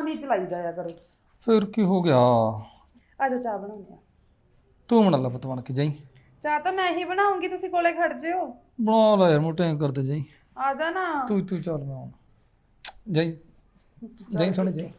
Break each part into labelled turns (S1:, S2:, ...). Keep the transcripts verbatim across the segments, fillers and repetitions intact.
S1: Phone ਹੀ ਚਲਾਈ ਜਾਇਆ ਕਰੋ।
S2: ਫਿਰ ਕੀ ਹੋ ਗਿਆ?
S1: ਆ ਜਾਓ ਚਾਹ ਬਣਾਉਂਦੇ ਆ।
S2: ਤੂੰ ਬਣਾ ਲੈ ਪੁੱਤ ਬਣ ਕੇ ਜਾਈ।
S1: ਚਾਹ ਤਾਂ ਮੈਂ ਹੀ ਬਣਾਉਂਗੀ, ਤੁਸੀਂ ਕੋਲੇ ਖੜ ਜਿਓ।
S2: ਬਣਾ ਲੈ ਯਾਰ, ਮੋਟੇ ਕਰਦੇ ਜਾਈ।
S1: ਆ ਜਾ ਨਾ
S2: ਤੂੰ ਤੂੰ ਚੱਲ ਮੈਂ ਆਉਣਾ। ਜਾਈ ਜਾਈ ਸੁਣ ਜਾਈ।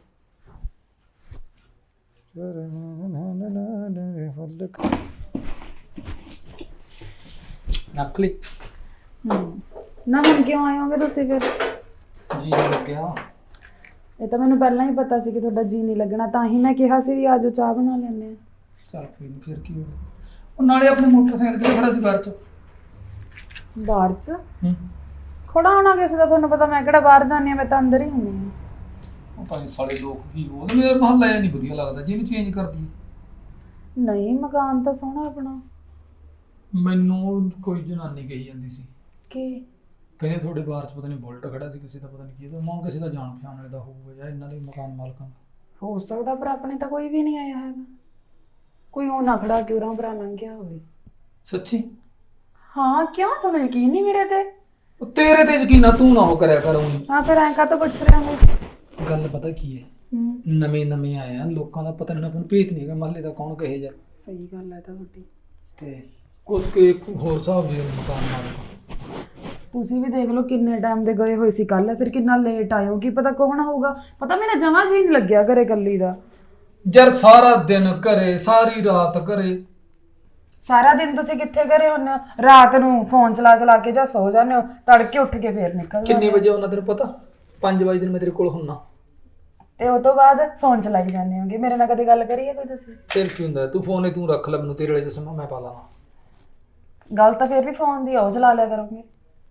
S2: ਨਕਲੀ
S1: ਹੂੰ ਨਾ ਹੁਣ ਕਿਉਂ ਆਏ ਹੋਗੇ ਤੁਸੀਂ ਫਿਰ?
S2: ਜੀ ਨਹੀਂ ਲੱਗਿਆ।
S1: ਇਹ ਤਾਂ ਮੈਨੂੰ ਪਹਿਲਾਂ ਹੀ ਪਤਾ ਸੀ ਕਿ ਤੁਹਾਡਾ ਜੀ ਨਹੀਂ ਲੱਗਣਾ, ਤਾਂ ਹੀ ਮੈਂ ਕਿਹਾ ਸੀ ਵੀ ਆ ਜਾਓ ਚਾਹ ਬਣਾ ਲੈਂਦੇ ਆ।
S2: ਚੱਲ ਕੋਈ ਨਹੀਂ, ਫਿਰ ਕੀ ਹੋ ਗਿਆ। ਉਹ ਨਾਲੇ ਆਪਣੇ ਮੋਟਰਸਾਈਕਲ ਤੇ ਖੜਾ ਸੀ ਬਾਹਰ ਚ।
S1: ਬਾਹਰ ਚ
S2: ਹੂੰ
S1: ਖੜਾ ਹੋਣਾ ਕਿਸੇ ਦਾ ਤੁਹਾਨੂੰ ਪਤਾ, ਮੈਂ ਕਿਹੜਾ ਬਾਹਰ ਜਾਂਦੀ ਆ, ਮੈਂ ਤਾਂ ਅੰਦਰ ਹੀ ਹੁੰਦੀ ਆ।
S2: ਉਹ ਭਾਈ ਸਾਲੇ ਲੋਕ ਕੀ ਬੋਲਦੇ, ਮੇਰੇ ਮਹੱਲਾ ਇਹ ਨਹੀਂ ਵਧੀਆ ਲੱਗਦਾ ਜਿਹਨੂੰ ਚੇਂਜ ਕਰਦੀ।
S1: ਨਹੀਂ ਮਕਾਨ ਤਾਂ ਸੋਹਣਾ ਆਪਣਾ।
S2: ਮੈਨੂੰ ਕੋਈ ਜਨਾਨੀ ਕਹੀ ਜਾਂਦੀ ਸੀ
S1: ਕੀ
S2: ਕਹਿੰਦੇ ਤੁਹਾਡੇ ਬਾਹਰ ਚ ਪਤਾ ਨਹੀਂ ਬੁਲਟ ਖੜਾ ਸੀ ਕਿਸੇ ਦਾ, ਪਤਾ ਨਹੀਂ ਕੀ ਦਾ, ਮਾਂ ਕਿਸੇ ਦਾ ਜਾਣ ਪਛਾਣ ਵਾਲੇ ਦਾ ਹੋਊਗਾ ਜਾਂ ਇਹਨਾਂ ਦੇ ਮਕਾਨ ਮਾਲਕਾਂ ਦਾ
S1: ਹੋ ਸਕਦਾ, ਪਰ ਆਪਣੇ ਤਾਂ ਕੋਈ ਵੀ ਨਹੀਂ ਆਇਆ ਹੈਗਾ। ਕੋਈ ਉਹ ਨਾ ਖੜਾ ਕਿ ਉਰਾਂ ਭਰਾ ਲੰਘਿਆ ਹੋਵੇ।
S2: ਸੱਚੀ?
S1: ਹਾਂ ਕਿਉਂ, ਤੁਹਾਨੂੰ ਯਕੀਨ ਨਹੀਂ ਮੇਰੇ ਤੇ?
S2: ਉਹ ਤੇਰੇ ਤੇ ਯਕੀਨ ਆ, ਤੂੰ ਨਾ ਉਹ ਕਰਿਆ ਕਰ ਊਂ।
S1: ਹਾਂ ਫਿਰ ਐਂ ਕਾਹਤੋਂ ਪੁੱਛ ਰਿਹਾ ਹੋ?
S2: ਗੱਲ ਪਤਾ ਕੀ ਹੈ,
S1: ਹੂੰ
S2: ਨਵੇਂ ਨਵੇਂ ਆਏ ਆ, ਲੋਕਾਂ ਦਾ ਪਤਾ ਨਹੀਂ, ਆਪਾਂ ਨੂੰ ਭੇਤ ਨਹੀਂ ਹੈਗਾ ਮਹੱਲੇ ਦਾ ਕੌਣ ਕਹੇ ਜਾ।
S1: ਸਹੀ ਗੱਲ ਹੈ ਤਾਂ ਤੁਹਾਡੀ।
S2: ਤੇ ਕੁਝ ਕੇ ਹੋਰ ਹਿਸਾਬ ਦੇ ਮਕਾਨ ਮਾਲਕ।
S1: ਤੁਸੀਂ ਵੀ ਦੇਖ ਲਓ ਕਿੰਨੇ ਟਾਈਮ ਦੇ ਗਏ ਹੋਏ ਸੀ ਕੱਲ, ਫਿਰ ਕਿੰਨਾ ਲੇਟ ਆਇਓ, ਕੀ ਪਤਾ ਕੌਣ ਹੋਊਗਾ। ਪਤਾ ਮੇਰਾ ਜਮਾਂ ਜੀ ਨਹੀਂ ਲੱਗਿਆ ਘਰੇ ਇਕੱਲੀ ਦਾ।
S2: ਯਾਰ ਸਾਰਾ ਦਿਨ ਘਰੇ, ਸਾਰੀ ਰਾਤ ਘਰੇ।
S1: ਸਾਰਾ ਦਿਨ ਤੁਸੀਂ ਕਿੱਥੇ ਘਰੇ ਹੁੰਦੇ ਹੋ? ਰਾਤ ਨੂੰ ਫੋਨ ਚਲਾ ਚਲਾ ਕੇ ਜਾਂ ਸੋ ਜਾਂਦੇ ਹੋ, ਤੜਕੇ ਉੱਠ ਕੇ ਫੇਰ ਨਿਕਲ ਜਾਂਦੇ
S2: ਕਿੰਨੇ
S1: ਹੋ।
S2: ਵਜੇ ਆਉਣਾ ਤੈਨੂੰ ਪਤਾ? ਪੰਜ ਵਜੇ ਦਿਨ ਮੈਂ ਤੇਰੇ ਕੋਲ ਹੁੰਨਾ,
S1: ਤੇ ਉਹ ਤੋਂ ਬਾਅਦ ਫੋਨ ਚਲਾਈ ਜਾਂਦੇ ਹੋਗੇ। ਮੇਰੇ ਨਾਲ ਕਦੇ ਗੱਲ ਕਰੀਏ ਕੋਈ ਤੁਸੀਂ?
S2: ਫਿਰ ਕੀ ਹੁੰਦਾ, ਤੂੰ ਫੋਨ ਹੀ ਤੂੰ ਰੱਖ ਲੈ, ਮੈਨੂੰ ਤੇਰੇ ਵਾਲੇ ਚਸ਼ਮਾ ਮੈਂ ਪਾ ਲਾਂਗਾ।
S1: ਗੱਲ ਤਾਂ ਫਿਰ ਵੀ ਫੋਨ ਦੀ ਆ, ਉਹ ਚਲਾ ਲਿਆ ਕਰੋਗੇ।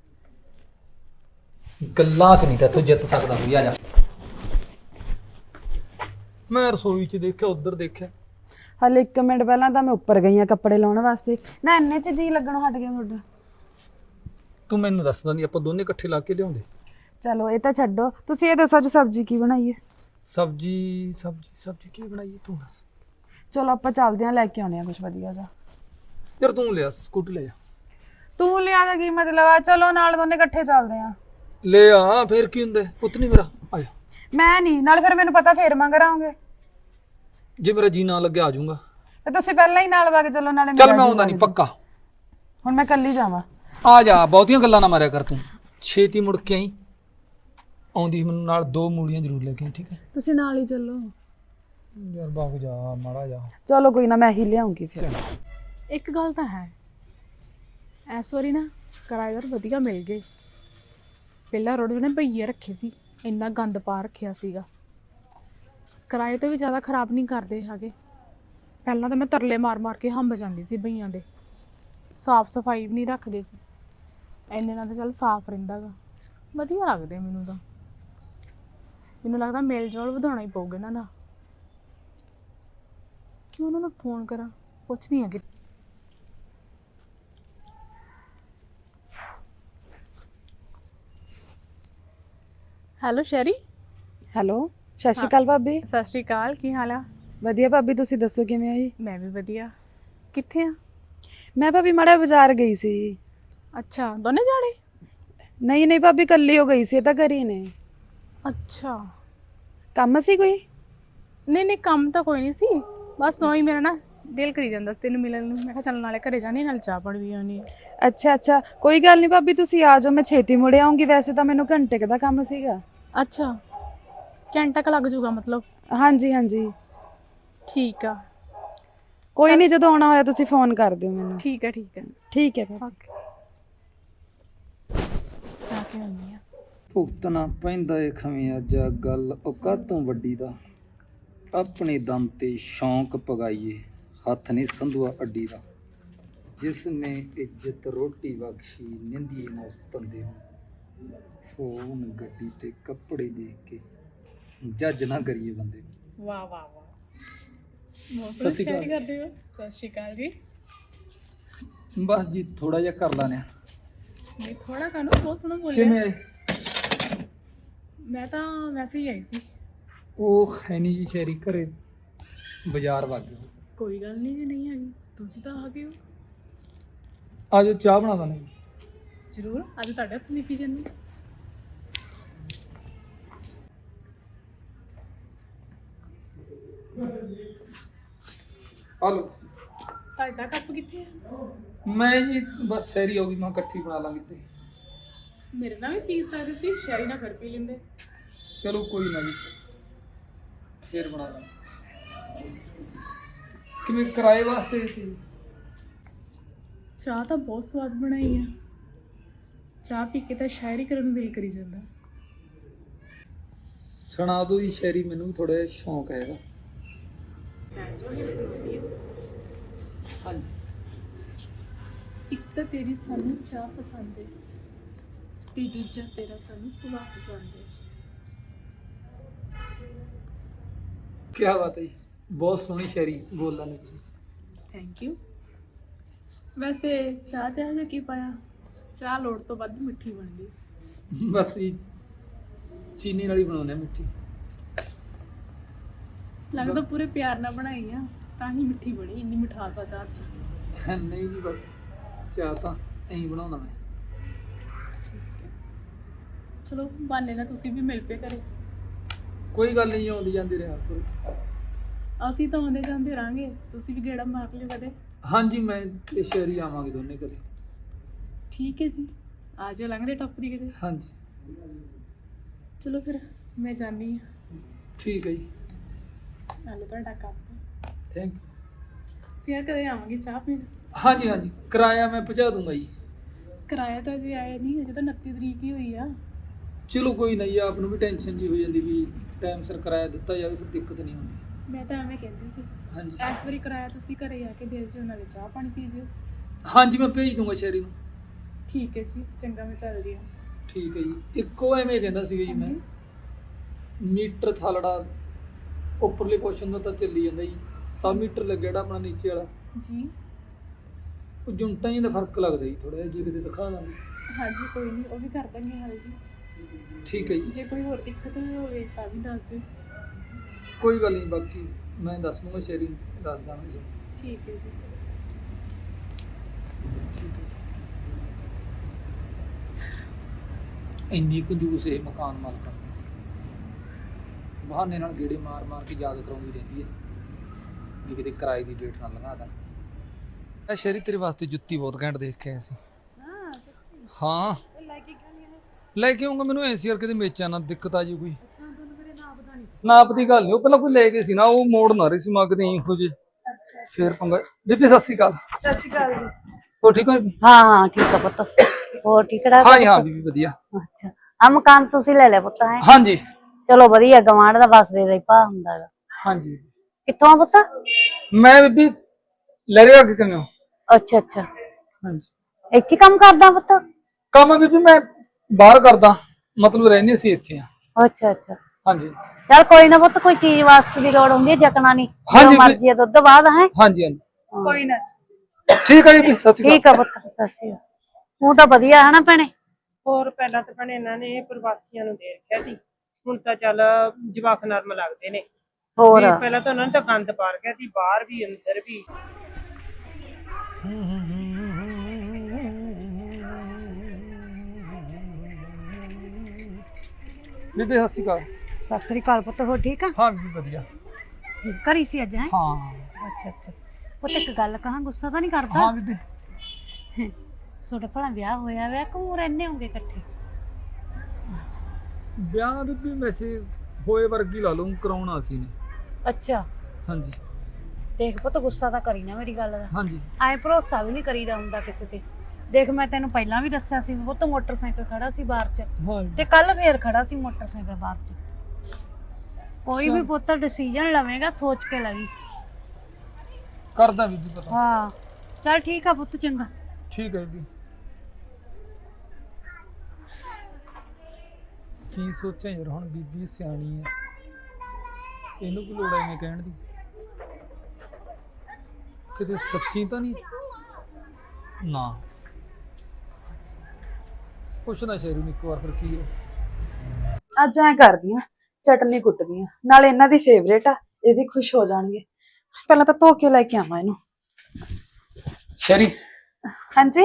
S2: ਗੱਲਾਂ 'ਚ ਨਹੀਂ ਤਾਂ ਤੂੰ ਜਿੱਤ ਸਕਦਾ ਕੋਈ। ਆ ਜਾ। ਮੈਂ ਰਸੋਈ 'ਚ ਦੇਖਿਆ, ਉੱਧਰ ਦੇਖਿਆ।
S1: ਹਾਲੇ ਇੱਕ ਮਿੰਟ ਪਹਿਲਾਂ ਤਾਂ ਮੈਂ ਉੱਪਰ ਗਈ ਆ ਕੱਪੜੇ ਲਾਉਣ ਵਾਸਤੇ, ਨਾ ਇੰਨੇ 'ਚ ਜੀ ਲੱਗਣੋਂ ਹਟ ਗਿਆ ਤੁਹਾਡਾ।
S2: ਤੂੰ ਮੈਨੂੰ ਦੱਸ ਦਿੰਦੀ, ਆਪਾਂ ਦੋਨੇ ਇਕੱਠੇ ਲਾ ਕੇ ਲਿਆਉਂਦੇ।
S1: ਚਲੋ ਇਹ ਤਾਂ ਛੱਡੋ, ਤੁਸੀਂ ਇਹ ਦੱਸੋ ਅੱਜ ਸਬਜ਼ੀ ਕੀ ਬਣਾਈਏ?
S2: ਸਬਜ਼ੀ ਸਬਜ਼ੀ ਸਬਜ਼ੀ ਕੀ ਬਣਾਈਏ ਤੂੰ ਦੱਸ।
S1: ਚਲੋ ਆਪਾਂ ਚੱਲਦੇ ਆਂ, ਲੈ ਕੇ ਆਉਣੇ ਆ ਕੁਝ ਵਧੀਆ ਜਿਹਾ।
S2: ਯਾਰ ਤੂੰ ਲਿਆ, ਸਕੂਟੀ ਲੈ ਜਾ।
S1: ਤੂੰ ਲਿਆ ਦਾ ਕੀ ਮਤਲਬ ਆ? ਚਲੋ ਨਾਲ ਦੋਨੇ ਇਕੱਠੇ ਚੱਲਦੇ ਆ।
S2: ਲੈ ਆ, ਫੇਰ ਕੀ ਹੁੰਦਾ, ਪੁੱਤ ਨਹੀਂ ਮੇਰਾ। ਆ ਜਾ।
S1: ਮੈਂ ਨਹੀਂ, ਨਾਲ ਫਿਰ ਮੈਨੂੰ ਪਤਾ ਫੇਰ ਮੰਗ ਰਾਉਂਗੇ।
S2: ਜੇ ਮੇਰਾ ਜੀ ਨਾ ਲੱਗਿਆ ਆ ਜਾਊਂਗਾ।
S1: ਤੇ ਤੁਸੀਂ ਪਹਿਲਾਂ ਹੀ ਨਾਲ ਵਗ ਚਲੋ, ਨਾਲੇ
S2: ਚੱਲ ਮੈਂ ਆਉਂਦਾ ਨਹੀਂ ਪੱਕਾ।
S1: ਹੁਣ ਮੈਂ ਕੱਲੀ ਜਾਵਾਂ।
S2: ਆ ਜਾ, ਬਹੁਤੀਆਂ ਗੱਲਾਂ ਨਾ ਮਾਰਿਆ ਕਰ ਤੂੰ, ਛੇਤੀ ਮੁੜ ਕੇ ਆਈ। ਆਉਂਦੀ ਮੈਨੂੰ ਨਾਲ ਦੋ ਮੂਲੀਆਂ ਜ਼ਰੂਰ ਲੈ ਕੇ ਆਈ, ਠੀਕ ਹੈ?
S1: ਤੁਸੀਂ ਨਾਲ ਹੀ ਚੱਲੋ।
S2: ਯਾਰ ਬਾਗ ਜਾ ਮਾੜਾ ਜਾ।
S1: ਚਲੋ ਕੋਈ ਨਾ, ਮੈਂ ਹੀ ਲਿਆਉਂਗੀ ਫਿਰ।
S3: ਇੱਕ ਗੱਲ ਤਾਂ ਹੈ, ਇਸ ਵਾਰੀ ਨਾ ਕਿਰਾਏਦਾਰ ਵਧੀਆ ਮਿਲ ਗਏ। ਪਹਿਲਾਂ ਰੋਡ ਨੇ ਭਈਏ ਰੱਖੇ ਸੀ, ਇੰਨਾ ਗੰਦ ਪਾ ਰੱਖਿਆ ਸੀਗਾ। ਕਿਰਾਏ ਤੋਂ ਵੀ ਜ਼ਿਆਦਾ ਖਰਾਬ ਨਹੀਂ ਕਰਦੇ ਹੈਗੇ। ਪਹਿਲਾਂ ਤਾਂ ਮੈਂ ਤਰਲੇ ਮਾਰ ਮਾਰ ਕੇ ਹੰਬ ਜਾਂਦੀ ਸੀ ਭਈਆਂ ਦੇ, ਸਾਫ਼ ਸਫਾਈ ਵੀ ਨਹੀਂ ਰੱਖਦੇ ਸੀ। ਇੰਨੇ ਨਾਲ ਤਾਂ ਚੱਲ ਸਾਫ਼ ਰਹਿੰਦਾ ਗਾ, ਵਧੀਆ ਲੱਗਦੇ ਮੈਨੂੰ ਤਾਂ। ਮੈਨੂੰ ਲੱਗਦਾ ਮੇਲ ਜੋਲ ਵਧਾਉਣਾ ਹੀ ਪਊਗਾ ਇਹਨਾਂ ਦਾ। ਕਿਉਂ ਉਹਨਾਂ ਨੂੰ ਫੋਨ ਕਰਾਂ, ਪੁੱਛਦੀ ਹਾਂ ਕਿ ਹੈਲੋ ਸ਼ੈਰੀ।
S1: ਹੈਲੋ, ਸਤਿ ਸ਼੍ਰੀ ਅਕਾਲ ਭਾਬੀ।
S3: ਸਤਿ ਸ਼੍ਰੀ ਅਕਾਲ, ਕੀ ਹਾਲ ਆ?
S1: ਵਧੀਆ ਭਾਬੀ, ਤੁਸੀਂ ਦੱਸੋ ਕਿਵੇਂ ਹੋ ਜੀ?
S3: ਮੈਂ ਵੀ ਵਧੀਆ। ਕਿੱਥੇ ਆ?
S1: ਮੈਂ ਭਾਬੀ ਮਾੜਾ ਬਾਜ਼ਾਰ ਗਈ ਸੀ।
S3: ਅੱਛਾ, ਦੋਨੇ ਜਾਣੇ?
S1: ਨਹੀਂ ਨਹੀਂ ਭਾਬੀ, ਕੱਲੀ ਹੋ ਗਈ ਸੀ, ਇਹ ਤਾਂ ਘਰੀ ਨੇ।
S3: ਅੱਛਾ,
S1: ਕੰਮ ਸੀ ਕੋਈ?
S3: ਨਹੀਂ ਨਹੀਂ ਕੰਮ ਤਾਂ ਕੋਈ ਨਹੀਂ ਸੀ, ਬਸ ਉਹੀ ਮੇਰਾ ਨਾ ਦਿਲ ਕਰੀ ਜਾਂਦਾ ਸੀ ਤੈਨੂੰ ਮਿਲਣ ਨੂੰ। ਮੈਂ ਕਿਹਾ ਚੱਲ ਨਾਲੇ ਘਰੇ ਜਾਣੀ, ਨਾਲ ਚਾਹ ਪਾਣੀ ਵੀ ਆਉਣੀ।
S1: ਅੱਛਾ ਅੱਛਾ, ਕੋਈ ਗੱਲ ਨਹੀਂ ਭਾਬੀ, ਤੁਸੀਂ ਆ ਜਾਓ, ਮੈਂ ਛੇਤੀ ਮੁੜ ਆਉਂਗੀ। ਵੈਸੇ ਤਾਂ ਮੈਨੂੰ ਘੰਟੇ ਕੁ ਦਾ ਕੰਮ ਸੀਗਾ।
S3: ਅੱਛਾ, ਘੰਟਾ ਕੁ ਲੱਗ ਜਾਊਗਾ ਮਤਲਬ?
S1: ਹਾਂਜੀ ਹਾਂਜੀ।
S3: ਠੀਕ ਆ,
S1: ਕੋਈ ਨਹੀਂ, ਜਦੋਂ ਆਉਣਾ ਹੋਇਆ ਤੁਸੀਂ ਫੋਨ ਕਰ ਦਿਓ ਮੈਨੂੰ।
S3: ਠੀਕ ਹੈ ਠੀਕ ਹੈ
S1: ਠੀਕ ਹੈ ਭਾਬੀ।
S3: ਓਕੇ। ਚਾਹ ਕੇ ਆਉਂਦੀ ਆ।
S2: ਭੁਗਤਣਾ ਪੈਂਦਾ ਏ ਖਵੇਂ ਅੱਜ ਗੱਲ ਔਕਾਤ ਤੋਂ ਵੱਡੀ ਦਾ। ਆਪਣੇ ਦਮ ਤੇ ਸ਼ੌਂਕ ਪਗਾਈਏ, ਹੱਥ ਨਹੀਂ ਸੰਧੂਆ ਅੱਡੀ ਦਾ। ਜਿਸ ਨੇ ਇੱਜ਼ਤ ਰੋਟੀ ਬਖਸ਼ੀ, ਨਿੰਦੀਏ ਨਾ ਉਸ ਤੰਦੇ ਨੂੰ। ਫੋਨ ਗੱਡੀ ਤੇ ਕੱਪੜੇ ਦੇਖ ਕੇ ਜੱਜ ਨਾ ਕਰੀਏ ਬੰਦੇ ਨੂੰ।
S3: ਵਾਹ ਵਾਹ ਵਾਹ, ਬਹੁਤ
S2: ਸਤਿ ਸ਼੍ਰੀ ਅਕਾਲ।
S3: ਸ਼ੇਅਰ ਕਰਦੇ ਹੋ। ਸਤਿ ਸ਼੍ਰੀ ਅਕਾਲ ਜੀ।
S2: ਬਸ ਜੀ ਥੋੜਾ ਜਿਹਾ ਕਰ ਲਾਨੇ ਆ।
S3: ਨਹੀਂ ਥੋੜਾ ਕਾਨੂੰ, ਬਹੁਤ ਸੋਹਣਾ ਬੋਲਿਆ।
S2: ਕਿਵੇਂ ਆਏ?
S3: ਮੈਂ ਤਾਂ ਵੈਸੇ ਹੀ ਆਈ ਸੀ।
S2: ਉਹ ਹੈ ਨਹੀਂ ਜੀ ਸ਼ਹਿਰੀ, ਘਰੇ ਬਾਜ਼ਾਰ ਵਗ ਗਏ।
S3: ਕੋਈ ਗੱਲ ਨਹੀਂ, ਜੇ ਨਹੀਂ ਆਈ ਤੁਸੀਂ ਤਾਂ ਆ ਗਏ ਹੋ।
S2: ਆ ਜਾਓ, ਚਾਹ ਬਣਾ ਦਾਂ।
S3: ਜ਼ਰੂਰ, ਅੱਜ ਤੁਹਾਡੇ ਹੱਥ ਨਹੀਂ ਪੀ ਜਾਂਦੀ।
S2: ਆ ਲਓ।
S3: ਤੁਹਾਡਾ ਕੱਪ ਕਿੱਥੇ ਆ?
S2: ਮੈਂ ਜੀ ਬਸ ਸ਼ਹਿਰੀ ਹੋ ਗਈ, ਮੈਂ ਇਕੱਠੀ ਬਣਾ ਲਾਂਗੀ ਤੇ
S3: ਮੇਰੇ ਨਾਲ ਵੀ ਪੀ ਸਕਦੇ ਸੀ, ਸ਼ਹਿਰੀ ਨਾਲ ਫਿਰ ਪੀ ਲੈਂਦੇ।
S2: ਚਲੋ ਕੋਈ ਨਾ ਜੀ, ਫੇਰ ਬਣਾ ਲਾਂਗੇ। ਕਿਵੇਂ ਕਿਰਾਏ ਵਾਸਤੇ ਦਿੱਤੀ?
S3: ਚਾਹ ਤਾਂ ਬਹੁਤ ਸਵਾਦ ਬਣਾਈ ਆ। ਚਾਹ ਪੀ ਕੇ ਤਾਂ ਸ਼ਾਇਰੀ ਕਰਨ ਨੂੰ ਦਿਲ ਕਰੀ ਜਾਂਦਾ।
S2: ਸੁਣਾ ਦੋ ਜੀ ਸ਼ਾਇਰੀ, ਮੈਨੂੰ ਵੀ ਥੋੜਾ ਜਿਹਾ ਸ਼ੌਂਕ ਹੈਗਾ। ਹਾਂਜੀ।
S3: ਇੱਕ ਤਾਂ ਤੇਰੀ ਸਾਨੂੰ ਚਾਹ ਪਸੰਦ ਹੈ ਤੇ ਦੂਜਾ ਤੇਰਾ ਸਾਨੂੰ ਸੁਭਾਅ ਪਸੰਦ ਹੈ।
S2: ਕੀ ਬਾਤ ਹੈ ਜੀ, ਬਹੁਤ ਸੋਹਣੀ ਸ਼ਾਇਰੀ ਬੋਲਾਂ ਨੇ ਤੁਸੀਂ।
S3: Thank you. ਵੈਸੇ ਚਾਹ ਚਾਹ ਜਿਹਾ ਕੀ ਪਾਇਆ? ਚਾਹ ਲੋੜ ਤੋਂ ਵੱਧ ਮਿੱਠੀ ਬਣ ਗਈ।
S2: ਬਸ ਜੀ ਚੀਨੀ ਨਾਲ ਹੀ ਬਣਾਉਂਦੇ ਆ ਮਿੱਠੀ।
S3: ਲੱਗਦਾ ਪੂਰੇ ਪਿਆਰ ਨਾਲ ਬਣਾਈ ਆ ਤਾਂ ਹੀ ਮਿੱਠੀ ਬਣੀ, ਇੰਨੀ ਮਿਠਾਸ ਆ ਚਾਹ 'ਚ।
S2: ਨਹੀਂ ਜੀ ਬਸ ਚਾਹ ਤਾਂ ਐਂ ਬਣਾਉਣਾ ਮੈਂ।
S3: ਠੀਕ ਹੈ, ਚਲੋ ਬਹਾਨੇ ਨਾਲ ਤੁਸੀਂ ਵੀ ਮਿਲ ਪਏ ਘਰੇ।
S2: ਕੋਈ ਗੱਲ ਨਹੀਂ, ਆਉਂਦੀ ਜਾਂਦੀ ਰਿਹਾ ਕਰੋ।
S3: ਅਸੀਂ ਤਾਂ ਆਉਂਦੇ ਜਾਂਦੇ ਰਹਾਂਗੇ, ਤੁਸੀਂ ਵੀ ਗੇੜਾ ਮਾਰ ਲਿਓ ਕਦੇ।
S2: ਹਾਂਜੀ ਮੈਂ ਤੇ ਸ਼ਾਇਰੀ ਆਵਾਂਗੇ ਦੋਨੇ ਕਦੇ।
S3: ਠੀਕ ਹੈ ਜੀ, ਆ ਜਾਓ ਲੰਘਦੇ ਟੱਪਦੀ ਕਿਤੇ।
S2: ਹਾਂਜੀ
S3: ਚਲੋ ਫਿਰ ਮੈਂ ਜਾਂਦੀ ਹਾਂ।
S2: ਠੀਕ ਹੈ ਜੀ,
S3: ਨਾਲੇ ਤੁਹਾਡਾ ਕੱਪ।
S2: Thank you.
S3: ਫਿਰ ਕਦੇ ਆਵਾਂਗੀ ਚਾਹ ਪੀਣ।
S2: ਹਾਂਜੀ ਹਾਂਜੀ, ਕਿਰਾਇਆ ਮੈਂ ਪਹੁੰਚਾ ਦੂੰਗਾ ਜੀ।
S3: ਕਿਰਾਇਆ ਤਾਂ ਅਜੇ ਆਇਆ ਨਹੀਂ, ਅਜੇ ਤਾਂ ਉਨੱਤੀ ਤਰੀਕ ਹੀ ਹੋਈ ਆ।
S2: ਚਲੋ ਕੋਈ ਨਾ ਜੀ, ਆਪ ਨੂੰ ਵੀ ਟੈਨਸ਼ਨ ਜੀ ਹੋ ਜਾਂਦੀ ਵੀ ਟਾਈਮ ਸਿਰ ਕਿਰਾਇਆ ਦਿੱਤਾ ਜਾਵੇ, ਫਿਰ ਦਿੱਕਤ ਨਹੀਂ ਹੁੰਦੀ।
S3: ਮੈਂ ਤਾਂ ਐਵੇਂ ਕਹਿੰਦੀ ਸੀ,
S2: ਹਾਂਜੀ
S3: ਇਸ ਵਾਰੀ ਕਿਰਾਇਆ ਤੁਸੀਂ ਘਰੇ ਆ ਕੇ ਦੇ ਜਿਓ, ਨਾਲੇ ਚਾਹ ਪਾਣੀ ਪੀ ਜਿਓ।
S2: ਹਾਂਜੀ ਮੈਂ ਭੇਜ ਦੂੰਗਾ ਸ਼ਾਇਰੀ ਨੂੰ।
S3: ਠੀਕ ਹੈ ਜੀ, ਚੰਗਾ ਮੈਂ ਚੱਲਦੀ ਹਾਂ।
S2: ਠੀਕ ਹੈ ਜੀ। ਇੱਕੋ ਐਵੇਂ ਕਹਿੰਦਾ ਸੀਗਾ ਜੀ ਮੈਂ, ਮੀਟਰ ਥਾਲੜਾ ਉੱਪਰਲੇ ਪੋਰਸ਼ਨ ਦਾ ਤਾਂ ਚੱਲੀ ਜਾਂਦਾ ਜੀ, ਸੌ ਮੀਟਰ ਲੱਗਿਆ ਜਿਹੜਾ ਆਪਣਾ ਨੀਚੇ ਵਾਲਾ
S3: ਜੀ।
S2: ਉਹ ਜੁੰਟਾਂ ਜੀ ਦਾ ਫਰਕ ਲੱਗਦਾ ਜੀ ਥੋੜਾ ਜਿਹਾ, ਜੀ ਕਿਤੇ ਦਿਖਾ ਦਾਂਗੇ।
S3: ਹਾਂਜੀ ਕੋਈ ਨਹੀਂ, ਉਹ ਵੀ ਕਰ ਦਾਂਗੇ ਹੱਲ ਜੀ।
S2: ਠੀਕ ਹੈ ਜੀ,
S3: ਜੇ ਕੋਈ ਹੋਰ ਦਿੱਕਤ ਹੋਵੇ ਤਾਂ ਵੀ ਦੱਸ ਦਿਓ।
S2: ਕੋਈ ਗੱਲ ਨਹੀਂ, ਬਾਕੀ ਮੈਂ ਦੱਸ ਦੂੰਗਾ ਸ਼ਾਇਰੀ ਦੱਸ ਦਾਂਗਾ ਜੀ।
S3: ਠੀਕ ਹੈ ਜੀ।
S2: ਠੀਕ ਹੈ। ਇੰਨੀ ਕੰਜੂਸ ਇਹ ਮਕਾਨ ਮਾਲਕਾਂ ਬਹਾਨੇ ਨਾਲ ਗੇੜੇ ਮਾਰ ਮਾਰ ਕੇ ਯਾਦ ਕਰਾਉਂਦੀ ਰਹਿੰਦੀ ਹੈ ਵੀ ਕਿਤੇ ਕਿਰਾਏ ਦੀ ਡੇਟ ਨਾ ਲੰਘਾ ਦੇਣ। ਇਹ ਸ਼ਾਇਰੀ ਤੇਰੇ ਵਾਸਤੇ ਜੁੱਤੀ ਬਹੁਤ ਘੈਂਟ ਦੇਖ ਕੇ ਆਇਆ ਸੀ।
S3: ਹਾਂ ਸੱਚੀ?
S2: ਹਾਂ
S3: ਲੈ ਕੇ ਕਿਉਂ ਨਹੀਂ ਆਏ?
S2: ਲੈ ਕੇ ਆਉਂਗਾ, ਮੈਨੂੰ ਐਸੀ ਕਰਕੇ ਤੇ ਮੇਚਾਂ ਨਾ ਦਿੱਕਤ ਆ ਜੀ ਕੋਈ।
S3: ਅੱਛਾ, ਤੁਹਾਨੂੰ ਮੇਰੇ ਨਾਮ ਪਤਾ ਨਹੀਂ।
S2: ਨਾਪ ਦੀ ਗੱਲ ਨਹੀਂ, ਉਹ ਪਹਿਲਾਂ ਕੋਈ ਲੈ ਕੇ ਸੀ ਨਾ, ਉਹ ਮੋੜ ਨਾ ਰਹੀ ਸੀ ਮੰਗਦੇ ਇਹੋ ਜਿਹੇ,
S3: ਅੱਛਾ
S2: ਫੇਰ ਪੰਗਾ। ਬੀਬੀ ਸਤਿ ਸ਼੍ਰੀ ਅਕਾਲ।
S3: ਸਤਿ ਸ਼੍ਰੀ ਅਕਾਲ ਜੀ।
S2: ਹੋ ਠੀਕ ਹੋ ਬੀਬੀ?
S4: ਹਾਂ ਹਾਂ ਠੀਕ ਆ ਪੁੱਤ। ਹੋਰ ਠੀਕ ਠਾਕ?
S2: ਹਾਂ ਜੀ ਹਾਂ ਬੀਬੀ ਵਧੀਆ।
S4: ਅੱਛਾ, ਆ ਮਕਾਨ ਤੁਸੀਂ ਲੈ ਲਿਆ ਪੁੱਤ? ਹੈ
S2: ਹਾਂਜੀ
S4: ਚਲੋ ਵਧੀਆ, ਗਵਾਂਢ ਦਾ ਵਸਦੇ ਦਾ ਹੀ ਭਾ ਹੁੰਦਾ ਹੈਗਾ।
S2: ਹਾਂਜੀ।
S4: ਕਿੱਥੋਂ ਆ ਪੁੱਤ?
S2: ਮੈਂ ਬੀਬੀ ਲੈ ਰਿਹਾ ਕਿ ਕਿਵੇਂ ਹੋ?
S4: ਅੱਛਾ ਅੱਛਾ,
S2: ਹਾਂਜੀ।
S4: ਇੱਥੇ ਕੰਮ ਕਰਦਾ ਪੁੱਤ?
S2: ਕੰਮ ਬੀਬੀ ਮੈਂ ਬਾਹਰ ਕਰਦਾ, ਮਤਲਬ ਰਹਿੰਦੇ ਸੀ ਇੱਥੇ ਆ।
S4: ਅੱਛਾ ਅੱਛਾ,
S2: ਹਾਂਜੀ
S4: ਚਲ ਕੋਈ ਨਾ ਪੁੱਤ, ਕੋਈ ਚੀਜ਼ ਵਾਸਤੇ ਦੀ ਲੋੜ ਹੁੰਦੀ ਹੈ ਜਕਣਾ ਨਹੀਂ।
S2: ਹਾਂਜੀ,
S4: ਜੋ ਮਰਜ਼ੀ ਹੈ ਦੁੱਧ ਬਾਅਦ ਹੈ।
S2: ਹਾਂਜੀ ਹਾਂਜੀ
S3: ਕੋਈ ਨਾ।
S2: ਠੀਕ ਹੈ ਜੀ, ਸਤਿ ਸ਼੍ਰੀ
S4: ਠੀਕ ਆ ਪੁੱਤ, ਸਤਿ ਸ਼੍ਰੀ ਅਕਾਲ। ਤੂੰ ਤਾਂ ਵਧੀਆ ਹੈ ਨਾ ਭੈਣੇ?
S5: ਹੋਰ ਪਹਿਲਾਂ ਤਾਂ ਭੈਣੇ ਇਹਨਾਂ ਨੇ ਪ੍ਰਵਾਸੀਆਂ ਨੂੰ ਦੇ ਰੱਖਿਆ ਸੀ, ਹੁਣ ਤਾਂ ਚੱਲ ਜਵਾਕ ਨਰਮ ਲੱਗਦੇ ਨੇ।
S4: ਹੋਰ
S5: ਵੀ ਪਹਿਲਾਂ ਤਾਂ ਉਹਨਾਂ ਨੇ ਤਾਂ ਗੰਦ ਪਾ ਰੱਖਿਆ ਸੀ, ਬਾਹਰ ਵੀ ਅੰਦਰ ਵੀ।
S2: ਬੀਬੀ ਸਤਿ ਸ਼੍ਰੀ ਅਕਾਲ।
S4: ਸਤਿ ਸ਼੍ਰੀ ਅਕਾਲ ਪੁੱਤ, ਹੋਰ ਠੀਕ ਆ?
S2: ਹਾਂ ਬੀਬੀ ਵਧੀਆ।
S4: ਘਰੀ ਸੀ ਅੱਜ? ਹੈ
S2: ਹਾਂ
S4: ਅੱਛਾ ਅੱਛਾ ਪੁੱਤ, ਇੱਕ ਗੱਲ ਕਹਾਂ, ਗੁੱਸਾ ਤਾਂ ਨਹੀਂ ਕਰਦਾ?
S2: ਹਾਂ ਬੀਬੀ।
S4: ਤੁਹਾਡਾ ਭਲਾ ਵਿਆਹ ਹੋਇਆ ਵਿਆਹ ਕਿਉਂ ਰਹਿੰਦੇ ਹੋਗੇ ਇਕੱਠੇ?
S2: ਵਿਆਹ ਬੀਬੀ ਵੈਸੇ ਹੋਏ ਵਰਗੀ ਲਾ ਲਊਂ, ਕਰਾਉਣਾ ਸੀ ਨੇ।
S4: ਅੱਛਾ
S2: ਹਾਂਜੀ
S4: ਦੇਖ ਪੁੱਤ, ਗੁੱਸਾ ਤਾਂ ਕਰੀ ਨਾ ਮੇਰੀ ਗੱਲ ਦਾ।
S2: ਹਾਂਜੀ
S4: ਐ ਭਰੋਸਾ ਵੀ ਨਹੀਂ ਕਰੀਦਾ ਹੁੰਦਾ ਕਿਸੇ ਤੇ। ਦੇਖ ਮੈਂ ਤੈਨੂੰ ਪਹਿਲਾਂ ਵੀ ਦੱਸਿਆ ਸੀ, ਪੁੱਤ ਮੋਟਰਸਾਈਕਲ ਖੜਾ ਸੀ ਬਾਹਰ 'ਚ,
S2: ਹਾਂ
S4: ਤੇ ਕੱਲ ਫੇਰ ਖੜਾ ਸੀ ਮੋਟਰਸਾਈਕਲ ਬਾਹਰ 'ਚ। ਕੋਈ ਵੀ ਪੁੱਤ ਡਿਸੀਜਨ ਲਵੇਂਗਾ ਸੋਚ ਕੇ ਲਵੀ।
S2: ਕਰਦਾ ਬੀਬੀ ਪਤਾ।
S4: ਹਾਂ ਚੱਲ ਠੀਕ ਆ ਪੁੱਤ, ਚੰਗਾ।
S2: ਠੀਕ ਹੈ ਬੀਬੀ। ਕੀ ਸੋਚਾਂ ਯਾਰ, ਹੁਣ ਬੀਬੀ ਸਿਆਣੀ ਹੈ, ਇਹਨੂੰ ਕੀ ਲੋੜ ਐਵੇਂ ਕਹਿਣ ਦੀ? ਕਿਤੇ ਸੱਚੀ ਤਾਂ ਨਹੀਂ ਨਾ? ਪੁੱਛਣਾ ਸ਼ੇਰੂ ਨੂੰ ਇੱਕ ਵਾਰ, ਫਿਰ ਕੀ ਹੈ।
S1: ਅੱਜ ਐ ਕਰਦੀ ਆ, ਚਟਨੀ ਕੁੱਟਦੀ ਆ, ਨਾਲ ਇਹਨਾਂ ਦੀ ਫੇਵਰੇਟ ਆ, ਇਹ ਵੀ ਖੁਸ਼ ਹੋ ਜਾਣਗੇ। ਪਹਿਲਾਂ ਤਾਂ ਧੋ ਕੇ ਲੈ ਕੇ ਆਵਾਂ ਇਹਨੂੰ।
S2: ਸ਼ੈਰੀ
S1: ਹਾਂਜੀ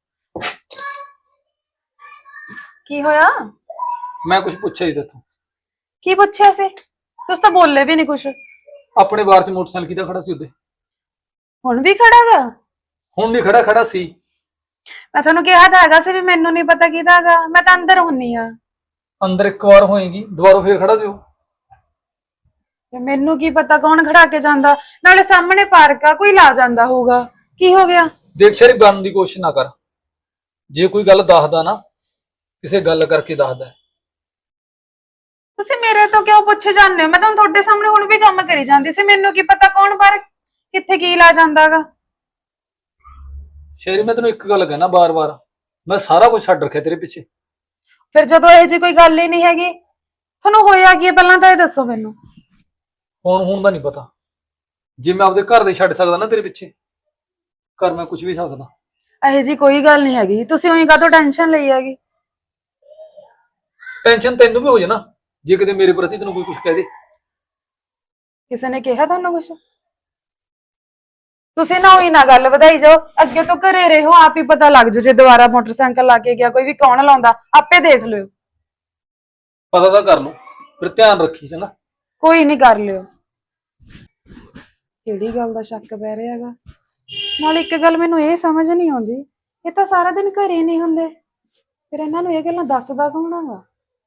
S1: ਕੀ ਹੋਇਆ?
S2: ਮੈਂ ਕੁਝ ਪੁੱਛਿਆ ਹੀ ਤੇਥੋਂ।
S1: ਕੀ ਪੁੱਛਿਆ ਸੀ? ਤੁਸੀਂ ਤਾਂ ਬੋਲੇ ਵੀ ਨਹੀਂ ਕੁਛ।
S2: ਆਪਣੇ ਬਾਰ ਚ ਮੋਟਰਸਾਈਕਲ ਕਿਹਦਾ ਖੜਾ ਸੀ ਉੱਤੇ?
S1: ਹੁਣ ਵੀ ਖੜਾਗਾ?
S2: ਹੁਣ ਨਹੀਂ ਖੜਾ, ਖੜਾ ਸੀ।
S1: ਮੈਂ ਤੁਹਾਨੂੰ ਕਿਹਾ ਤਾਂ ਹੈਗਾ ਸੀ ਵੀ ਮੈਨੂੰ ਨਹੀਂ ਪਤਾ ਕਿਹਦਾ ਹੈਗਾ, ਮੈਂ ਤਾਂ ਅੰਦਰ ਹੁੰਨੀ ਆ।
S2: ਅੰਦਰ ਇੱਕ ਵਾਰ ਹੋਏਗੀ, ਦੁਬਾਰਾ ਫੇਰ ਖੜਾ ਜਿਓ।
S1: ਤੇ ਮੈਨੂੰ ਕੀ ਪਤਾ ਕੌਣ ਖੜਾ ਕੇ ਜਾਂਦਾ, ਨਾਲੇ ਸਾਹਮਣੇ ਪਾਰਕ ਆ, ਕੋਈ ਲਾ ਜਾਂਦਾ ਹੋਊਗਾ। ਕੀ ਹੋ ਗਿਆ?
S2: ਦੇਖ ਸ਼ਰੀ, ਬਣਨ ਦੀ ਕੋਸ਼ਿਸ਼ ਨਾ ਕਰ। ਜੇ ਕੋਈ ਗੱਲ ਦੱਸਦਾ ਨਾ, ਕਿਸੇ ਗੱਲ ਕਰਕੇ ਦੱਸਦਾ।
S1: ਤੁਸੀਂ ਮੇਰੇ ਤੋਂ ਕਿਉਂ ਪੁੱਛੇ ਜਾਂਦੇ ਹੋ? ਮੈਂ ਤਾਂ ਤੁਹਾਡੇ ਸਾਹਮਣੇ ਹੁਣ ਵੀ ਕੰਮ ਕਰੀ ਜਾਂਦੀ ਸੀ, ਮੈਨੂੰ ਕੀ ਪਤਾ ਕੌਣ ਬਾਹਰ ਕਿੱਥੇ ਕੀ ਲਾ ਜਾਂਦਾਗਾ।
S2: ਸ਼ੇਰੀ, ਮੈਂ ਤੈਨੂੰ ਇੱਕ ਗੱਲ ਕਹਿਣਾ ਬਾਰ-ਬਾਰ, ਮੈਂ ਸਾਰਾ ਕੁਝ ਛੱਡ ਰੱਖਿਆ ਤੇਰੇ ਪਿੱਛੇ।
S1: ਫਿਰ ਜਦੋਂ ਇਹ ਜੀ ਕੋਈ ਗੱਲ ਹੀ ਨਹੀਂ ਹੈਗੀ, ਤੁਹਾਨੂੰ ਹੋਇਆ ਕੀ ਹੈ ਪਹਿਲਾਂ ਤਾਂ ਇਹ ਦੱਸੋ ਮੈਨੂੰ।
S2: ਹੁਣ ਹੁਣ ਦਾ ਨਹੀਂ ਪਤਾ। ਜੇ ਮੈਂ ਆਪਦੇ ਘਰ ਦੇ ਛੱਡ ਸਕਦਾ ਨਾ ਤੇਰੇ ਪਿੱਛੇ, ਘਰ ਮੈਂ ਕੁਝ ਵੀ ਸਕਦਾ।
S1: ਇਹ ਜੀ ਕੋਈ ਗੱਲ ਨਹੀਂ ਹੈਗੀ, ਤੁਸੀਂ ਉਹੀ ਕਾਹਤੋਂ ਟੈਨਸ਼ਨ ਲਈ ਹੈਗੀ?
S2: ਟੈਨਸ਼ਨ ਤੈਨੂੰ ਵੀ ਹੋ ਜਾਣਾ ਜੇ ਕਿਤੇ ਮੇਰੇ ਪ੍ਰਤੀ ਤੈਨੂੰ ਕੋਈ ਕੁਝ ਕਹਿ ਦੇ।
S1: ਕਿਸੇ ਨੇ ਕਿਹਾ ਤੁਹਾਨੂੰ ਕੁਛ? ਤੁਸੀਂ ਨਾ ਉਹੀ ਨਾ ਗੱਲ ਵਧਾਈ ਜਾਓ, ਅੱਗੇ ਤੋਂ ਘਰੇ ਰਹੋ, ਆਪ ਹੀ ਪਤਾ ਲੱਗ ਜਾਓ। ਜੇ ਦੁਬਾਰਾ ਮੋਟਰਸਾਈਕਲ ਲਾ ਕੇ ਗਿਆ ਕੋਈ ਵੀ, ਕੌਣ ਲਾਉਂਦਾ ਆਪੇ ਦੇਖ ਲਿਓ।
S2: ਪਤਾ ਤਾਂ ਕਰ ਲਓ, ਫਿਰ ਧਿਆਨ ਰੱਖੀ ਚੰਗਾ।
S1: ਕੋਈ ਨਹੀਂ, ਕਰ ਲਿਓ। ਕਿਹੜੀ ਗੱਲ ਦਾ ਸ਼ੱਕ ਪੈ ਰਿਹਾ ਹੈਗਾ? ਨਾਲ ਇੱਕ ਗੱਲ ਮੈਨੂੰ ਇਹ ਸਮਝ ਨਹੀਂ ਆਉਂਦੀ, ਇਹ ਤਾਂ ਸਾਰਾ ਦਿਨ ਘਰੇ ਨਹੀਂ ਹੁੰਦੇ, ਫਿਰ ਇਹਨਾਂ ਨੂੰ ਇਹ ਗੱਲਾਂ ਦੱਸਦਾ ਕੌਣ ਹੈਗਾ?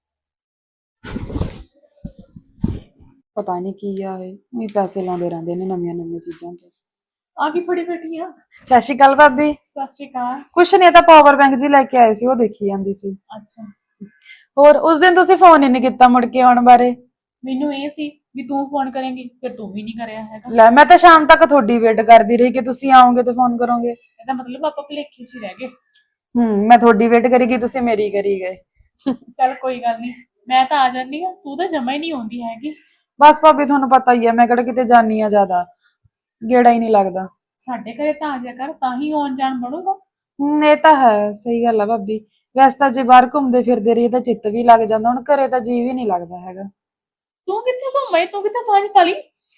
S1: ਪਤਾ ਨਹੀਂ ਕੀ ਆ, ਇਹ ਵੀ ਪੈਸੇ ਲਾਉਂਦੇ ਰਹਿੰਦੇ ਨੇ ਨਵੀਆਂ ਨਵੀਆਂ ਚੀਜ਼ਾਂ ਤੇ।
S3: ਆ ਕੀ ਫੜੀ ਬੈਠੀ ਆ?
S1: ਸਤਿ ਸ਼੍ਰੀ ਅਕਾਲ ਭਾਬੀ।
S3: ਸਤਿ ਸ਼੍ਰੀ ਅਕਾਲ।
S1: ਕੁਛ ਨਹੀਂ, ਤਾਂ ਪਾਵਰ ਬੈਂਕ ਜੀ ਲੈ ਕੇ ਆਏ ਸੀ, ਉਹ ਦੇਖੀ ਜਾਂਦੀ ਸੀ।
S3: ਅੱਛਾ,
S1: ਹੋਰ ਉਸ ਦਿਨ ਤੁਸੀਂ ਫੋਨ ਹੀ ਨਹੀਂ ਕੀਤਾ ਮੁੜ ਕੇ ਆਉਣ ਬਾਰੇ।
S3: ਮੈਨੂੰ ਇਹ ਸੀ ਵੀ ਤੂੰ ਫੋਨ ਕਰੇਂਗੀ, ਫਿਰ ਤੂੰ ਵੀ ਨਹੀਂ ਕਰਿਆ ਹੈਗਾ।
S1: ਲੈ, ਮੈਂ ਤਾਂ ਸ਼ਾਮ ਤੱਕ ਤੁਹਾਡੀ ਵੇਟ ਕਰਦੀ ਰਹੀ ਕਿ ਤੁਸੀਂ ਆਓਗੇ ਤੇ ਫੋਨ ਕਰੋਗੇ।
S3: ਇਹਦਾ ਮਤਲਬ ਆਪਾਂ ਭੁਲੇਖੇ 'ਚ ਹੀ ਰਹਿ ਗਏ।
S1: ਹੂੰ, ਮੈਂ ਤੁਹਾਡੀ ਵੇਟ ਕਰੀ ਗਈ, ਤੁਸੀਂ ਮੇਰੀ ਕਰੀ ਗਏ।
S3: ਚੱਲ ਕੋਈ ਗੱਲ ਨਹੀਂ, ਮੈਂ ਤਾਂ ਆ ਜਾਂਦੀ ਆ, ਤੂੰ ਤਾਂ ਜਮਾ ਹੀ ਨਹੀਂ ਆਉਂਦੀ ਹੈਗੀ।
S1: ਬਸ ਭਾਬੀ, ਤੁਹਾਨੂੰ ਪਤਾ ਹੀ ਹੈ, ਮੈਂ ਕਿਹੜਾ ਕਿਤੇ ਜਾਨੀ ਆ ਜ਼ਿਆਦਾ, ਗੇੜਾ ਹੀ ਨਹੀਂ ਲੱਗਦਾ।
S3: ਸਾਡੇ ਘਰੇ ਤਾਂ ਆ ਜਾ ਕਰ, ਤਾਂ ਹੀ ਆਉਣ ਜਾਣ ਬਣੂਗਾ।
S1: ਹੂੰ, ਇਹ ਤਾਂ ਹੈ, ਸਹੀ ਗੱਲ ਆ ਭਾਬੀ। ਵੈਸੇ ਤਾਂ ਜੇ ਬਾਹਰ ਘੁੰਮਦੇ ਫਿਰਦੇ ਰਹੀ ਤਾਂ ਚਿੱਤ ਵੀ ਲੱਗ ਜਾਂਦਾ, ਹੁਣ ਘਰੇ ਤਾਂ ਜੀ ਵੀ ਨਹੀਂ ਲੱਗਦਾ ਹੈਗਾ।
S3: ਤੂੰ ਕਿੱਥੇ ਘੁੰਮੇ, ਤੂੰ ਕਿੱਥੇ ਸਾਂਝ ਪਾ ਲਈ?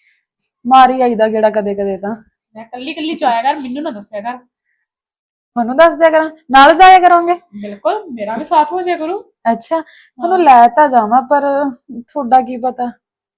S1: ਮਾਰੀ ਆਈਦਾ ਗੇੜਾ ਕਦੇ ਕਦੇ ਤਾਂ।
S3: ਮੈਂ ਕੱਲੀ ਕੱਲੀ ਜਾਇਆ ਕਰ, ਮੈਨੂੰ ਨਾ ਦੱਸਿਆ ਕਰ।
S1: ਤੁਹਾਨੂੰ ਦੱਸ ਦਿਆ ਕਰਾਂ, ਨਾਲ ਜਾਇਆ ਕਰੋਗੇ?
S3: ਬਿਲਕੁਲ, ਮੇਰਾ ਵੀ ਸਾਥ ਹੋ ਜਾਇਆ ਕਰੂ।
S1: ਅੱਛਾ, ਤੁਹਾਨੂੰ ਲੈ ਤਾਂ ਜਾਵਾਂ, ਪਰ ਤੁਹਾਡਾ ਕੀ ਪਤਾ।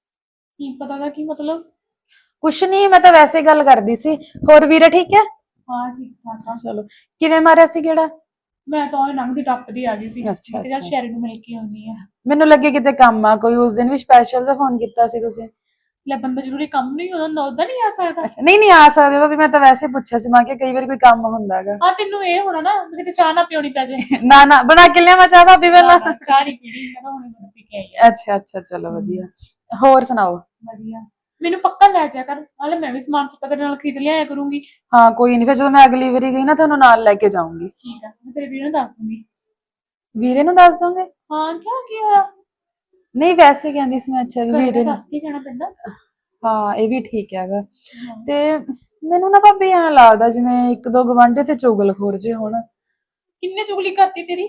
S3: ਕੀ ਪਤਾ ਦਾ ਕੀ ਮਤਲਬ?
S1: ਕੁਛ ਨਹੀਂ, ਮੈਂ ਤਾਂ ਵੈਸੇ ਗੱਲ ਕਰਦੀ ਸੀ। ਹੋਰ ਵੀਰੇ ਠੀਕ ਹੈ?
S3: ਹਾਂ ਠੀਕ ਠਾਕ ਆ।
S1: ਚਲੋ, ਕਿਵੇਂ ਮਾਰਿਆ ਸੀ ਗੇੜਾ?
S3: ਮੈਂ ਤਾਂ ਉਹ ਲੰਘਦੀ ਟੱਪਦੀ ਆ ਗਈ ਸੀ।
S1: ਅੱਛਾ,
S3: ਮੈਂ ਕਿਹਾ ਚੱਲ
S1: ਅੱਛਾ।
S3: ਸ਼ੈਰੀ ਨੂੰ ਮਿਲ ਕੇ ਆਉਣੀ ਆ।
S1: ਮੈਨੂੰ ਲੱਗੇ ਕਿਤੇ ਕੰਮ ਆ ਕੋਈ, ਉਸ ਦਿਨ ਵੀ ਸਪੈਸ਼ਲ ਦਾ ਫੋਨ ਕੀਤਾ ਸੀ ਤੁਸੀਂ।
S3: ਲੈ, ਬੰਦਾ ਜ਼ਰੂਰੀ ਕੰਮ ਨਹੀਂ ਹੁੰਦਾ, ਉਦਾਂ ਨਹੀਂ ਆ ਸਕਦਾ।
S1: ਅੱਛਾ, ਨਹੀਂ ਨਹੀਂ ਆ ਸਕਦੇ ਭਾਬੀ, ਮੈਂ ਤਾਂ ਵੈਸੇ ਪੁੱਛਿਆ ਸੀ, ਮੈਂ ਕਿਹਾ ਕਈ ਵਾਰੀ ਕੋਈ ਕੰਮ ਹੁੰਦਾ ਹੈਗਾ।
S3: ਆ ਤੈਨੂੰ ਇਹ ਹੋਣਾ ਨਾ ਵੀ ਕਿਤੇ ਚਾਹ ਨਾ ਪਿਉਣੀ ਪੈ ਜਾਏ।
S1: ਨਾ ਨਾ, ਬਣਾ ਕੇ ਲਿਆਵਾਂ ਚਾਹ ਭਾਬੀ ਪਹਿਲਾਂ?
S3: ਨਾ, ਚਾਹ ਨਹੀਂ ਪੀਣੀ, ਮੈਂ ਤਾਂ ਹੁਣੇ ਦੁੱਧ ਪੀ ਕੇ ਆਈ ਆ।
S1: ਅੱਛਾ ਅੱਛਾ, ਚਲੋ ਵਧੀਆ। ਹੋਰ ਸੁਣਾਓ?
S3: ਵਧੀਆ। ਮੈਨੂੰ ਪੱਕਾ ਲੈ ਜਾਇਆ ਕਰ, ਨਾਲੇ ਮੈਂ ਵੀ ਸਮਾਨ ਸੱਤਾ ਤੇਰੇ ਨਾਲ ਖਰੀਦ ਲਿਆਇਆ ਕਰੂੰਗੀ।
S1: ਹਾਂ ਕੋਈ ਨਹੀਂ, ਫਿਰ ਜਦੋਂ ਮੈਂ ਅਗਲੀ ਵਾਰੀ ਗਈ ਨਾ ਤੁਹਾਨੂੰ ਨਾਲ ਲੈ ਕੇ ਜਾਊਂਗੀ।
S3: ਠੀਕ ਆ, ਮੈਂ ਤੇਰੇ ਵੀਰ ਨੂੰ ਦੱਸ ਦੂੰਗੀ।
S1: ਵੀਰੇ ਨੂੰ ਦੱਸ ਦੋਗੇ?
S3: ਹਾਂ, ਕਿਉਂ ਕੀ ਹੋਇਆ?
S1: ਨਹੀਂ ਵੈਸੇ ਕਹਿੰਦੀ ਸੀ ਮੈਂ। ਅੱਛਾ, ਵੀ
S3: ਘਰੇ
S1: ਵੀਰੇ
S3: ਤਾਂ
S1: ਨੂੰ।
S3: ਦੱਸ ਕੇ ਜਾਣਾ ਪੈਂਦਾ।
S1: ਹਾਂ, ਇਹ ਵੀ ਠੀਕ ਹੈਗਾ।
S3: ਹਾਂ।
S1: ਤੇ ਮੈਨੂੰ ਨਾ ਭਾਬੀ ਐਂ ਲੱਗਦਾ ਜਿਵੇਂ ਇੱਕ ਦੋ ਗਵਾਂਢੀ ਤੇ ਚੁਗਲਖੋਰ ਜੇ ਹੋਣ।
S3: ਕਿੰਨੇ ਚੁਗਲੀ ਕਰਤੀ ਤੇਰੀ?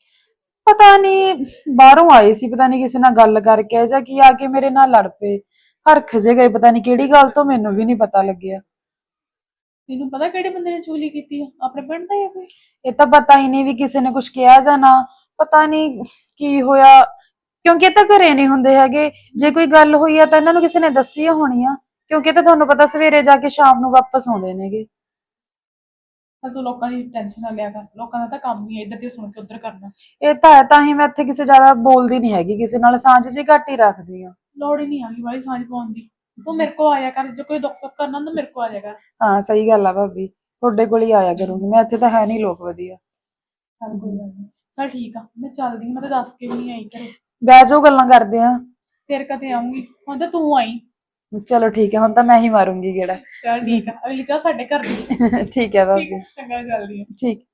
S1: ਪਤਾ ਨਹੀਂ, ਬਾਹਰੋਂ ਆਏ ਸੀ, ਪਤਾ ਨਹੀਂ ਕਿਸੇ ਨਾਲ ਗੱਲ ਕਰਕੇ ਜਾਂ ਕੀ, ਆ ਕੇ ਮੇਰੇ ਨਾਲ ਲੜ ਪਏ, ਹਰਖ ਜੇ ਗਏ, ਪਤਾ ਨਹੀਂ ਕਿਹੜੀ ਗੱਲ ਤੋਂ, ਮੈਨੂੰ ਵੀ ਨਹੀਂ ਪਤਾ ਲੱਗਿਆ।
S3: ਤੈਨੂੰ ਪਤਾ ਕਿਹੜੇ ਬੰਦੇ ਨੇ ਚੁਗਲੀ ਕੀਤੀ ਆ? ਆਪਣੇ ਪਿੰਡ ਦਾ ਹੀ ਆ ਕੋਈ?
S1: ਇਹ ਤਾਂ ਪਤਾ ਹੀ ਨਹੀਂ ਵੀ ਕਿਸੇ ਨੇ ਕੁਝ ਕਿਹਾ ਜਾਂ ਨਾ, ਪਤਾ ਨਹੀਂ ਕੀ ਹੋਇਆ, ਕਿਉਂਕਿ ਇਹ ਤਾਂ ਘਰੇ ਨਹੀਂ ਹੁੰਦੇ ਹੈਗੇ। ਜੇ ਕੋਈ ਗੱਲ ਹੋਈ ਆ ਤਾਂ ਇਹਨਾਂ ਨੂੰ ਕਿਸੇ ਨੇ ਦੱਸੀ ਹੋਣੀ ਆ, ਕਿਉਂਕਿ ਇਹ ਤਾਂ ਤੁਹਾਨੂੰ ਪਤਾ ਸਵੇਰੇ ਜਾ ਕੇ ਸ਼ਾਮ ਨੂੰ ਵਾਪਸ ਆਉਂਦੇ ਨੇਗੇ।
S3: ਤਾਂ ਤੂੰ ਲੋਕਾਂ ਦੀ ਟੈਨਸ਼ਨ ਨਾ ਲਿਆ ਕਰ, ਲੋਕਾਂ ਦਾ ਤਾਂ ਕੰਮ ਹੀ ਹੈ ਇੱਧਰ ਦੀ ਸੁਣ ਕੇ ਉੱਧਰ ਕਰਨਾ।
S1: ਇਹ ਤਾਂ ਹੈ, ਤਾਂ ਹੀ ਮੈਂ ਇੱਥੇ ਕਿਸੇ ਜ਼ਿਆਦਾ ਬੋਲਦੀ ਨਹੀਂ ਹੈਗੀ, ਕਿਸੇ ਨਾਲ ਸਾਂਝ ਜੀ ਘੱਟ ਹੀ ਰੱਖਦੀ ਆ।
S3: ਲੋੜ ਹੀ ਨਹੀਂ ਆਗੀ ਵਾਲੀ ਸਾਂਝ ਪਾਉਣ ਦੀ। ਤੂੰ ਮੇਰੇ ਕੋਲ ਆਇਆ ਕਰ, ਜੇ ਕੋਈ ਦੁੱਖ ਸੁੱਖ ਕਰਨਾ ਤਾਂ ਮੇਰੇ ਕੋਲ ਆ ਜਾਇਆ ਕਰ।
S1: ਹਾਂ ਸਹੀ ਗੱਲ ਆ ਭਾਬੀ, ਤੁਹਾਡੇ ਕੋਲ ਹੀ ਆਇਆ ਕਰੂੰਗੀ ਮੈਂ, ਇੱਥੇ ਤਾਂ ਹੈ ਨਹੀਂ ਲੋਕ ਵਧੀਆ।
S3: ਚੱਲ ਕੋਈ ਗੱਲ ਨਹੀਂ, ਚੱਲ ਠੀਕ ਆ, ਮੈਂ ਚੱਲਦੀ ਹਾਂ, ਮੈਂ ਤਾਂ ਦੱਸ ਕੇ ਵੀ ਨਹੀਂ ਆਈ ਘਰੇ।
S1: ਬਹਿ ਜਾਓ, ਗੱਲਾਂ ਕਰਦੇ ਆ।
S3: ਫਿਰ ਕਦੇ ਆਉਂਗੀ, ਹੁਣ ਤਾਂ ਤੂੰ ਆਈ।
S1: ਚਲੋ ਠੀਕ ਹੈ, ਹੁਣ ਤਾਂ ਮੈਂ ਹੀ ਮਾਰੂੰਗੀ ਗੇੜਾ।
S3: ਚੱਲ ਠੀਕ ਆ, ਅਗਲੀ ਚਾਹ ਸਾਡੇ ਘਰ ਦੀ।
S1: ਠੀਕ ਹੈ ਭਾਬੀ।
S3: ਠੀਕ ਆ, ਚੰਗਾ, ਚੱਲਦੀ ਆ।
S1: ਠੀਕ।